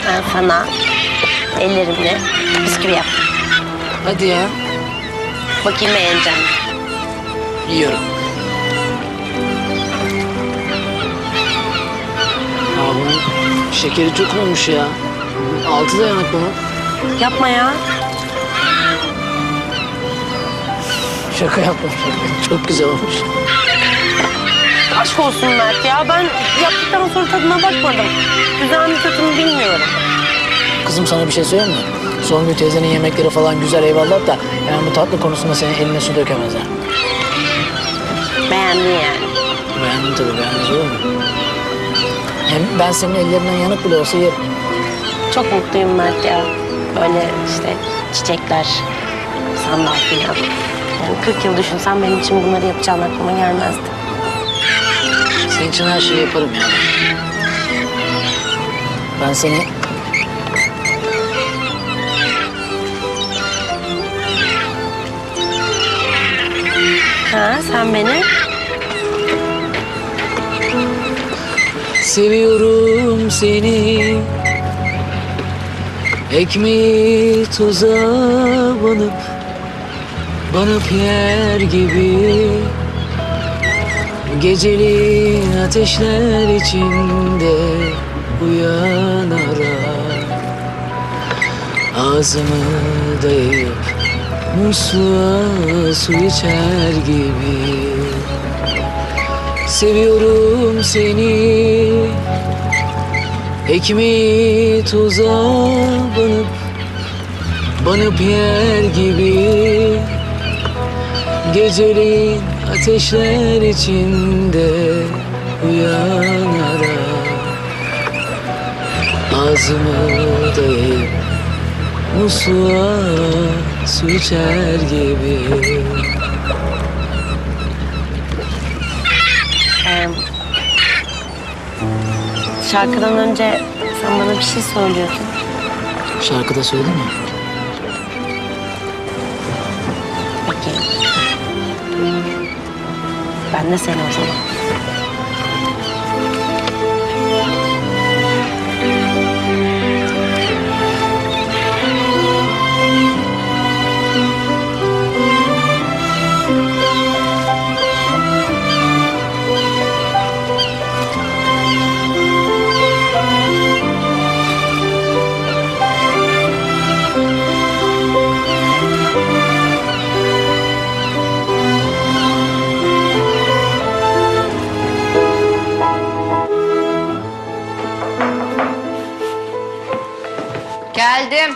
Ben sana ellerimle bisküvi yaptım. Hadi ya. Bakayım beğeneceğim. Yiyorum. Aa, bunun şekeri çok olmuş ya. 6 dayanak bunun. Yapma ya. Şaka yapmış. Çok güzel olmuş. Aşk olsun Mert ya. Ben yaptıktan sonra tadına bakmadım. Güzel mi kötü mü bilmiyorum. Kızım sana bir şey söyleyeyim mi? Songül teyzenin yemekleri falan güzel eyvallah da... ...yani bu tatlı konusunda senin eline su dökemezler. Beğendin yani. Beğendim tabii, beğenmez olur mu? Hem ben senin ellerinden yanık bile olsa yerim. Çok mutluyum Mert ya. Böyle işte çiçekler, sandal falan. Yani 40 yıl düşünsem benim için bunları yapacağım aklıma gelmezdi. Senin için her şeyi yaparım yani. Ben seni... Ha, sen beni? Seviyorum seni. Ekmeği tuza banıp yer gibi. Geceli ateşler içinde uyan ara. Ağzımı dayayıp musluğa su içer gibi. Seviyorum seni. Ekmeği tuza banıp yer gibi. Geceleyin ateşler içinde uyan ara. Ağzımı dayayıp musluğa su içer gibi. Şarkıdan önce sen bana bir şey söylüyordun. Şarkıda söyledin mi? Bakayım. Ben de seni o zaman. Geldim.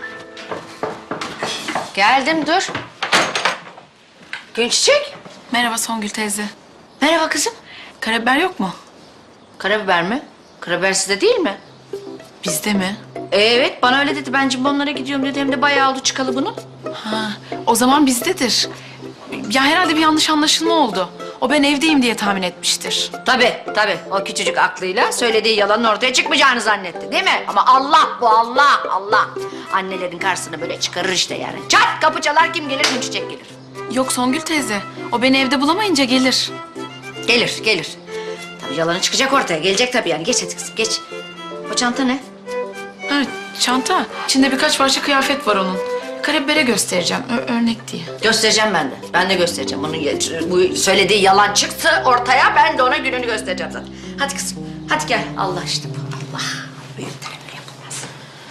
Geldim, dur. Günçiçek. Merhaba Songül teyze. Merhaba kızım. Karabiber yok mu? Karabiber mi? Karabiber sizde değil mi? Bizde mi? Evet, bana öyle dedi. Ben cimbomlara gidiyorum dedi. Hem de bayağı oldu çıkalı bunun. Ha, o zaman bizdedir. Ya herhalde bir yanlış anlaşılma oldu. O ben evdeyim diye tahmin etmiştir. Tabii, tabii. O küçücük aklıyla söylediği yalanın ortaya çıkmayacağını zannetti, değil mi? Ama Allah bu, Allah, Allah. Annelerin karşısına böyle çıkarır işte yani. Çat, kapı çalar, kim gelir? Günçiçek gelir. Yok Songül teyze. O beni evde bulamayınca gelir. Gelir, gelir. Tabii yalanı çıkacak ortaya. Gelecek tabii yani. Geç hadi kızım, geç. O çanta ne? Ha, çanta. İçinde birkaç parça kıyafet var onun. Karabibere göstereceğim. Örnek diye. Göstereceğim ben de. Ben de göstereceğim. Bunun bu söylediği yalan çıktı ortaya. Ben de ona gününü göstereceğim zaten. Hadi kızım. Hadi gel. Allah işte bu. Allah. Büyüklerimle yapılmaz.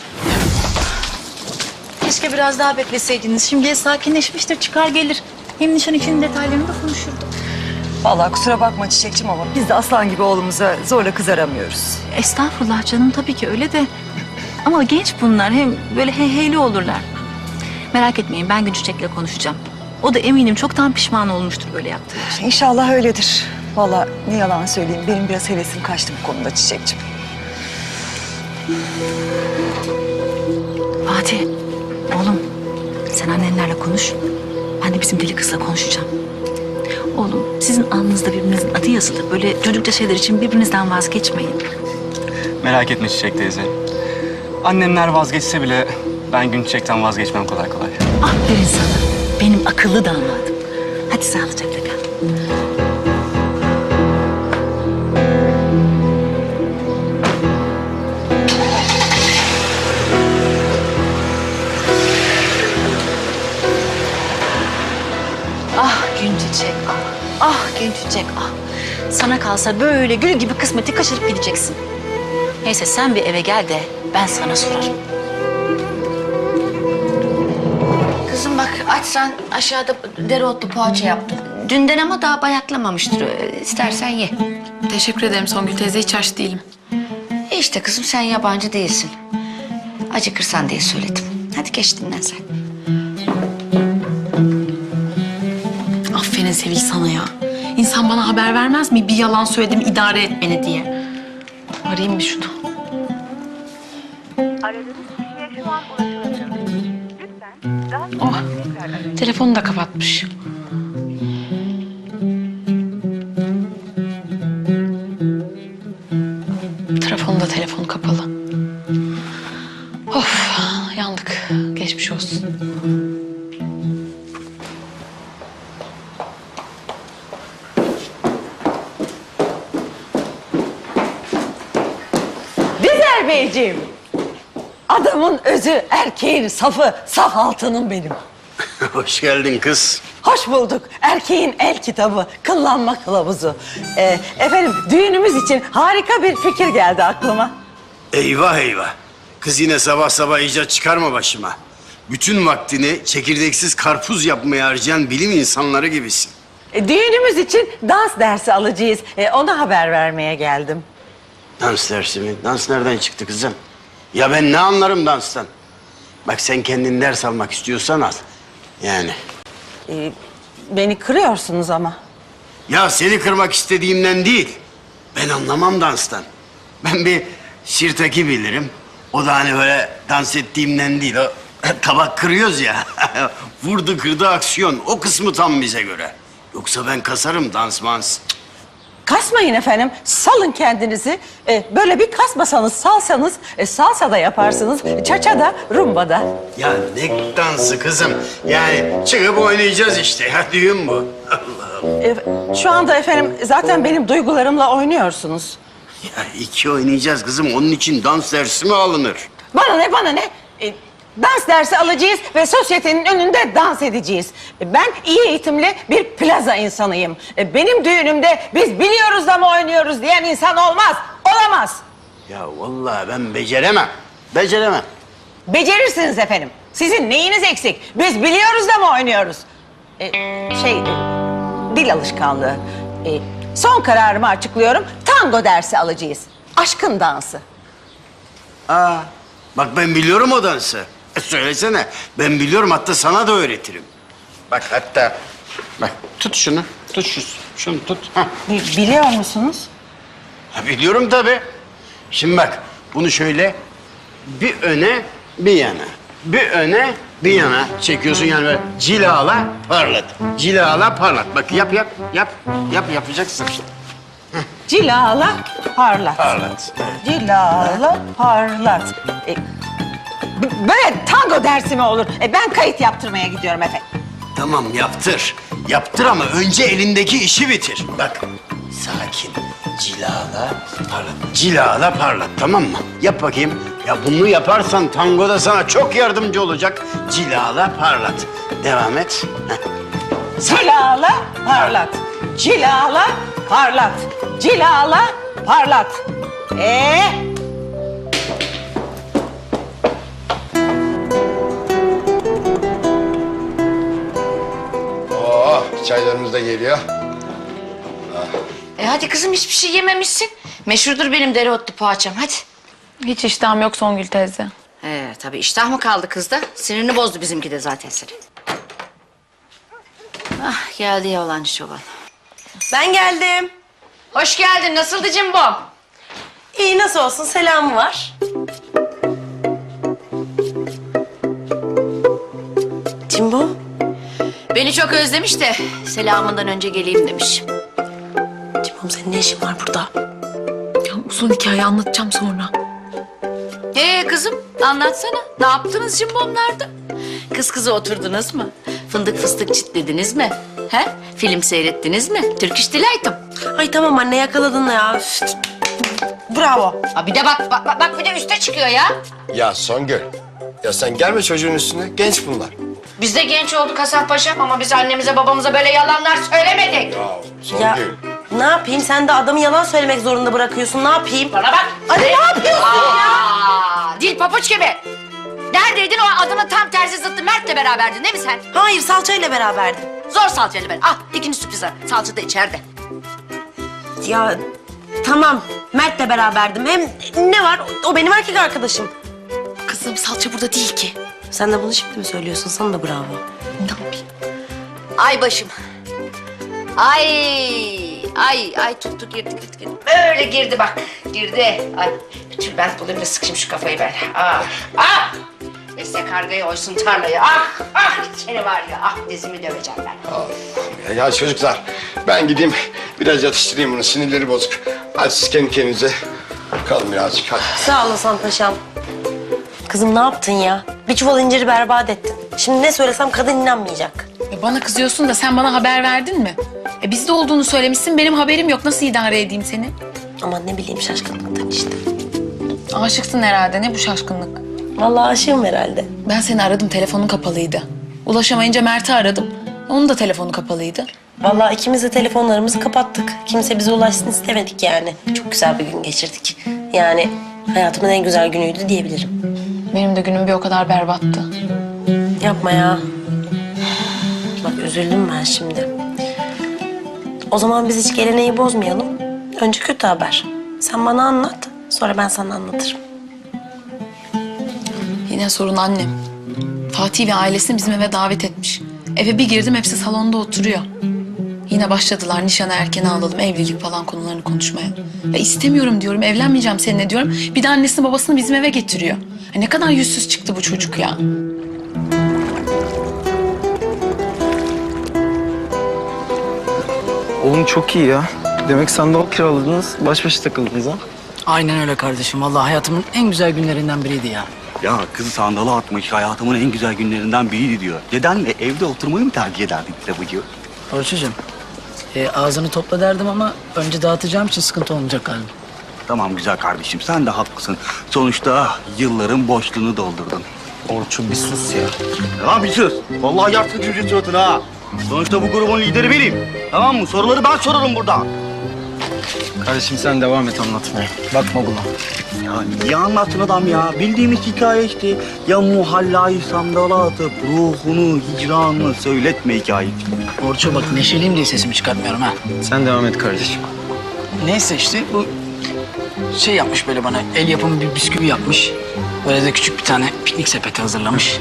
Keşke biraz daha bekleseydiniz. Şimdi sakinleşmiştir, çıkar gelir. Hem nişan için detaylarını da konuşurduk. Vallahi kusura bakma Çiçekçim ama biz de aslan gibi oğlumuza zorla kız aramıyoruz. Estağfurullah canım, tabii ki öyle de. Ama genç bunlar, hem böyle heyheyli olurlar. Merak etmeyin, ben Günçiçek'le konuşacağım. O da eminim çoktan pişman olmuştur böyle yaptığı için. İnşallah öyledir. Vallahi ne yalan söyleyeyim, benim biraz hevesim kaçtı bu konuda Çiçekçim. Fatih, oğlum sen annenlerle konuş. Ben de bizim deli kızla konuşacağım. Oğlum sizin alnınızda birbirinizin adı yazılı. Böyle çocukça şeyler için birbirinizden vazgeçmeyin. Merak etme Çiçek teyze. Annemler vazgeçse bile ben Günçiçek'ten vazgeçmem kolay kolay. Aferin sana. Benim akıllı damadım. Hadi sağlıcakla kal. Çiçek ah. Ah gün çiçek ah. Sana kalsa böyle gül gibi kısmeti kaçırıp gideceksin. Neyse sen bir eve gel de ben sana sorarım. Kızım bak açsan aşağıda dereotlu poğaça yaptım. Dünden ama daha bayatlamamıştır. İstersen ye. Teşekkür ederim Songül teyze, hiç aç değilim. İşte kızım sen yabancı değilsin. Acıkırsan diye söyledim. Hadi geç dinlen sen. Aferin Sevil sana ya. İnsan bana haber vermez mi? Bir yalan söyledim, idare et beni diye. Arayayım bir şunu. Aradığınız kişiye şu an ulaşılamıyor. Lütfen daha sonra Oh, tekrar arayın. telefonu da kapatmış. Telefonu kapalı. Of, yandık. Geçmiş olsun. Dizer Beyciğim. Adamın özü, erkeğin safı, saf altının benim. Hoş geldin kız. Hoş bulduk. Erkeğin el kitabı, kıllanma kılavuzu. Efendim, düğünümüz için harika bir fikir geldi aklıma. Eyvah eyvah. Kız yine sabah sabah icat çıkarma başıma. Bütün vaktini çekirdeksiz karpuz yapmaya harcayan bilim insanları gibisin. Düğünümüz için dans dersi alacağız. Ona haber vermeye geldim. Dans dersi mi? Dans nereden çıktı kızım? Ya ben ne anlarım danstan? Bak sen kendin ders almak istiyorsan al. Yani. Beni kırıyorsunuz ama. Ya seni kırmak istediğimden değil. Ben anlamam danstan. Ben bir sirtaki bilirim. O da hani böyle dans ettiğimden değil. O tabak kırıyoruz ya. Vurdu kırdı aksiyon. O kısmı tam bize göre. Yoksa ben kasarım dans mans. Kasmayın efendim, salın kendinizi. Böyle bir kasmasanız, salsanız, salsa da yaparsınız, çaça da, rumba da. Ya ne dansı kızım? Yani çıkıp oynayacağız işte. Ya düğün bu. Şu anda efendim zaten benim duygularımla oynuyorsunuz. Ya iki oynayacağız kızım. Onun için dans dersi mi alınır? Bana ne, bana ne? Dans dersi alacağız ve sosyetenin önünde dans edeceğiz. Ben iyi eğitimli bir plaza insanıyım. Benim düğünümde biz biliyoruz da mı oynuyoruz diyen insan olmaz, olamaz. Ya vallahi ben beceremem. Beceremem. Becerirsiniz efendim. Sizin neyiniz eksik? Biz biliyoruz da mı oynuyoruz? Dil alışkanlığı. Son kararımı açıklıyorum. Tango dersi alacağız. Aşkın dansı. Aa, bak ben biliyorum o dansı. Söylesene. Ben biliyorum, hatta sana da öğretirim. Bak hatta, bak tut şunu. Tut şunu tut. Hah. Biliyor musunuz? Ha, biliyorum tabii. Şimdi bak, bunu şöyle bir öne bir yana. Bir öne bir yana çekiyorsun, yani böyle cilala parlat. Cilala parlat. Bak yap yapacaksın. Cilala parlat. Parlat. Cilala parlat. Böyle tango dersi mi olur? Ben kayıt yaptırmaya gidiyorum efendim. Tamam yaptır. Yaptır ama önce elindeki işi bitir. Bak sakin. Cilala parlat. Cilala parlat, tamam mı? Yap bakayım. Ya bunu yaparsan tangoda sana çok yardımcı olacak. Cilala parlat. Devam et. Heh. Cilala parlat. Cilala parlat. Cilala parlat. Oh, çaylarımız da geliyor. Hadi kızım hiçbir şey yememişsin. Meşhurdur benim dereotlu poğaçam hadi. Hiç iştahım yok Songül teyze. Tabii iştah mı kaldı kızda? Sinirini bozdu bizimki de zaten seni. Ah geldi yalancı çoban. Ben geldim. Hoş geldin. Nasıldı cimbom? İyi, nasıl olsun, selamı var. Cimbo, Beni çok özlemiş de selamından önce geleyim demiş. Cimbom senin ne işin var burada? Ya uzun hikaye anlatacağım sonra. Kızım anlatsana. Ne yaptınız cimbomlarda? Kız kıza oturdunuz mu? Fındık fıstık çitlediniz mi? He? Film seyrettiniz mi? Turkish Delight'ım. Ay tamam anne, yakaladın ya. Üf. Bravo. Bir de bak bir de üste çıkıyor ya. Ya Songül, ya sen gelme çocuğun üstüne. Genç bunlar. Biz de genç olduk Hasan Paşam ama biz annemize babamıza böyle yalanlar söylemedik. Ya ne yapayım? Sen de adamı yalan söylemek zorunda bırakıyorsun. Ne yapayım? Bana bak. Ali ne yapıyorsun ya? Dil papuç gibi. Neredeydin o adamın tam tersi zıttı Mert'le beraberdin değil mi sen? Hayır, salçayla beraberdim. Zor salçayla ben. Ah ikinci sürpriz var. Salça da içeride. Ya tamam, Mert'le beraberdim. Hem ne var? O benim erkek arkadaşım. Kızım salça burada değil ki. Sen de bunu şimdi mi söylüyorsun? Sana da bravo. Ne yapayım? Ay başım. Ay tuttu girdi. Böyle girdi bak. Girdi. Ay bütün ben bulayım da sıkayım şu kafayı ben. Ah. Neyse kargayı oysun tarlayı. Ah seni var ya. Ah dizimi döveceğim ben. Ya çocuklar ben gideyim biraz yatıştırayım bunu sinirleri bozuk. Hadi siz kendi kendinize kalın birazcık hadi. Sağ olasın paşam. Kızım ne yaptın ya? Bir çuval inciri berbat ettin. Şimdi ne söylesem kadın inanmayacak. Bana kızıyorsun da sen bana haber verdin mi? Bizde olduğunu söylemişsin, benim haberim yok. Nasıl idare edeyim seni? Aman ne bileyim, şaşkınlıktan işte. Aşıksın herhalde, ne bu şaşkınlık? Vallahi aşığım herhalde. Ben seni aradım, telefonun kapalıydı. Ulaşamayınca Mert'i aradım. Onun da telefonu kapalıydı. Vallahi ikimiz de telefonlarımızı kapattık. Kimse bize ulaşsın istemedik yani. Çok güzel bir gün geçirdik. Yani hayatımın en güzel günüydü diyebilirim. Benim de günüm bir o kadar berbattı. Yapma ya. Bak üzüldüm ben şimdi. O zaman biz hiç geleneği bozmayalım. Önce kötü haber. Sen bana anlat, sonra ben sana anlatırım. Yine sorun annem. Fatih ve ailesini bizim eve davet etmiş. Eve bir girdim, hepsi salonda oturuyor. Yine başladılar nişanı erken alalım, evlilik falan konularını konuşmaya. Ya istemiyorum diyorum, evlenmeyeceğim seninle diyorum. Bir de annesini babasını bizim eve getiriyor. Ya ne kadar yüzsüz çıktı bu çocuk ya. Oğlum çok iyi ya. Demek sandal kiraladınız, baş başa takıldınız ha? Aynen öyle kardeşim. Vallahi hayatımın en güzel günlerinden biriydi ya. Ya kızı sandala atmış, hayatımın en güzel günlerinden biriydi diyor. Nedenle evde oturmayı mı tercih ederdin Kitabıcı? Orçucuğum, ağzını topla derdim ama önce dağıtacağım için sıkıntı olmayacak galiba. Tamam güzel kardeşim, sen de haklısın. Sonuçta yılların boşluğunu doldurdun. Orçun bir sus ya. Ya bir sus. Vallahi yarsın çocuğun suratına ha. Sonuçta bu grubun lideri benim. Tamam mı? Soruları ben sorarım burada. Kardeşim sen devam et anlatmaya. Bakma buna. Ya niye anlattın adam ya? Bildiğimiz hikaye işte. Ya muhallayı sandala atıp ruhunu, hicranını söyletme hikayesi. Orçu bak neşeliyim diye sesimi çıkartmıyorum ha. Sen devam et kardeşim. Neyse işte bu şey yapmış böyle bana, el yapımı bir bisküvi yapmış. Böyle de küçük bir tane piknik sepeti hazırlamış.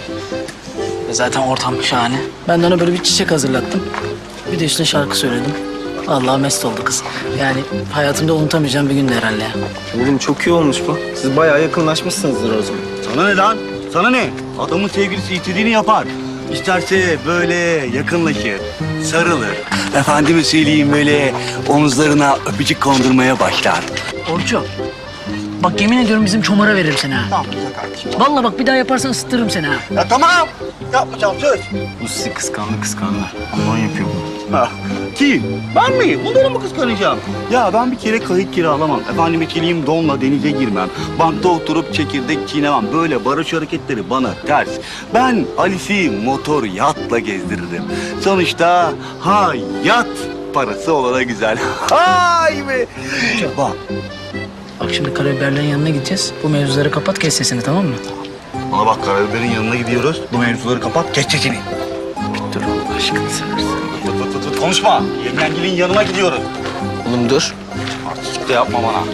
Ve zaten ortam şahane. Ben de ona böyle bir çiçek hazırlattım. Bir de üstüne şarkı söyledim. Vallahi mest oldu kız. Yani hayatımda unutamayacağım bir gündü herhalde ya. Oğlum çok iyi olmuş bu. Siz bayağı yakınlaşmışsınızdır o zaman. Sana ne lan? Sana ne? Adamın sevgilisi istediğini yapar. İsterse böyle yakınlaşır, sarılır. Efendime söyleyeyim böyle omuzlarına öpücük kondurmaya başlar. Orçu, bak yemin ediyorum bizim çomara veririm seni ha. Tamam güzel kardeşim. Vallahi bak bir daha yaparsan ısıtırırım seni ha. Ya tamam. Yapmayacağım söz. Bu sizi kıskandı. Ondan yapıyor bunu. Ha, kim? Ben mi? Bunları mı kıskanacağım? Ya ben bir kere kayık kiralamam. Efendime söyleyeyim donla denize girmem. Bankta oturup çekirdek çiğnemem. Böyle barış hareketleri bana ters. Ben Alice'i motor yatla gezdiririm. Sonuçta hayat parası olana güzel. Hay be! Bak. Bak şimdi karabiberlerin yanına gideceğiz. Bu mevzuları kapat, kes sesini, tamam mı? Bana bak karabiberin yanına gidiyoruz. Bu mevzuları kapat, geç sesini. Dur Allah aşkına seversen. Konuşma. Yengengilin yanına gidiyoruz. Oğlum dur. Artistlik de yapma bana.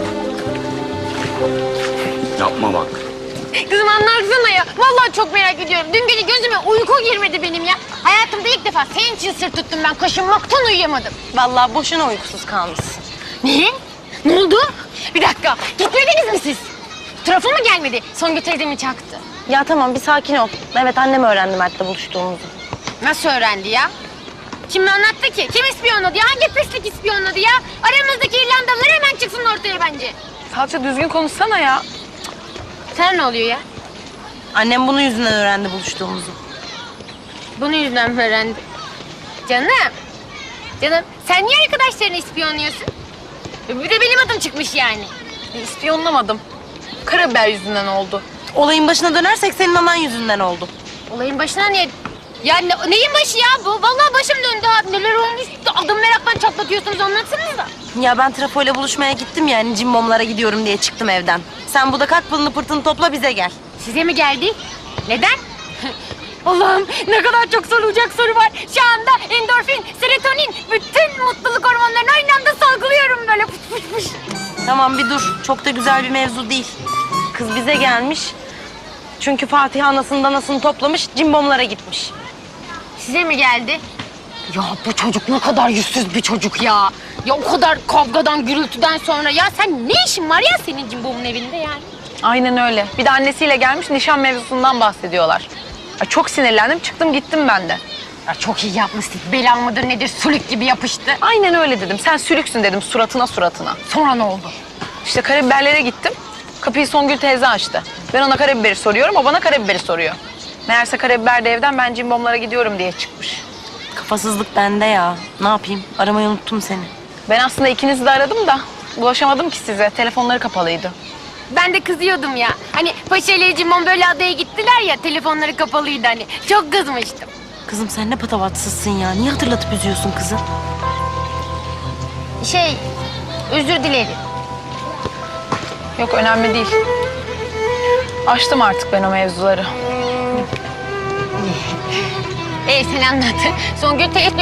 Yapma bak. Kızım anlatsana ya. Vallahi çok merak ediyorum. Dün gece gözüme uyku girmedi benim ya. Hayatımda ilk defa senin için sır tuttum ben. Kaşınmaktan uyuyamadım. Vallahi boşuna uykusuz kalmışsın. Ne? Ne oldu? Bir dakika. Gitmediniz mi siz? Trafo mu gelmedi? Songül teyze mi çaktı? Ya tamam, bir sakin ol. Evet, annem öğrendi Mert'le buluştuğumuzu. Nasıl öğrendi ya? Kim anlattı ki? Kim ispiyonladı ya? Hangi pislik ispiyonladı ya? Aramızdaki İrlandalılar hemen çıksın ortaya bence. Salça düzgün konuşsana ya. Sana ne oluyor ya? Annem bunun yüzünden öğrendi buluştuğumuzu. Bunun yüzünden mi öğrendi? Canım. Canım sen niye arkadaşlarını ispiyonluyorsun? Bir de benim adım çıkmış yani. İspiyonlamadım. Karabiber yüzünden oldu. Olayın başına dönersek senin anan yüzünden oldu. Olayın başına niye... Ya neyin başı ya bu? Vallahi başım döndü abi. Neler olmuş? Adım meraktan çatlatıyorsunuz, anlatsanıza. Ya ben trafoyla buluşmaya gittim yani cimbomlara gidiyorum diye çıktım evden. Sen burada kalk pılını pırtını topla bize gel. Size mi geldi? Neden? Allah'ım ne kadar çok sorulacak soru var. Şu anda endorfin, serotonin, bütün mutluluk hormonlarını aynı anda salgılıyorum böyle fış fış fış. Tamam bir dur. Çok da güzel bir mevzu değil. Kız bize gelmiş. Çünkü Fatih anasını danasını toplamış cimbomlara gitmiş. Size mi geldi? Ya bu çocuk ne kadar yüzsüz bir çocuk ya. Ya o kadar kavgadan, gürültüden sonra ya sen ne işin var ya senin cimbomun evinde yani? Aynen öyle. Bir de annesiyle gelmiş nişan mevzusundan bahsediyorlar. Ay, çok sinirlendim çıktım gittim ben de. Ya çok iyi yapmışsın. Belan mıdır nedir sülük gibi yapıştı. Aynen öyle dedim. Sen sülüksün dedim suratına. Sonra ne oldu? İşte karabiberlere gittim. Kapıyı Songül teyze açtı. Ben ona karabiberi soruyorum, o bana karabiberi soruyor. Meğerse karabiber de evden ben cimbomlara gidiyorum diye çıkmış. Kafasızlık bende ya. Ne yapayım? Aramayı unuttum seni. Ben aslında ikinizi de aradım da ulaşamadım ki size. Telefonları kapalıydı. Ben de kızıyordum ya. Hani Paşa ile Cimbom böyle adaya gittiler ya, telefonları kapalıydı hani. Çok kızmıştım. Kızım sen ne patavatsızsın ya. Niye hatırlatıp üzüyorsun kızı? Özür dilerim. Yok önemli değil. Açtım artık ben o mevzuları. Sen anlat. Songül teyze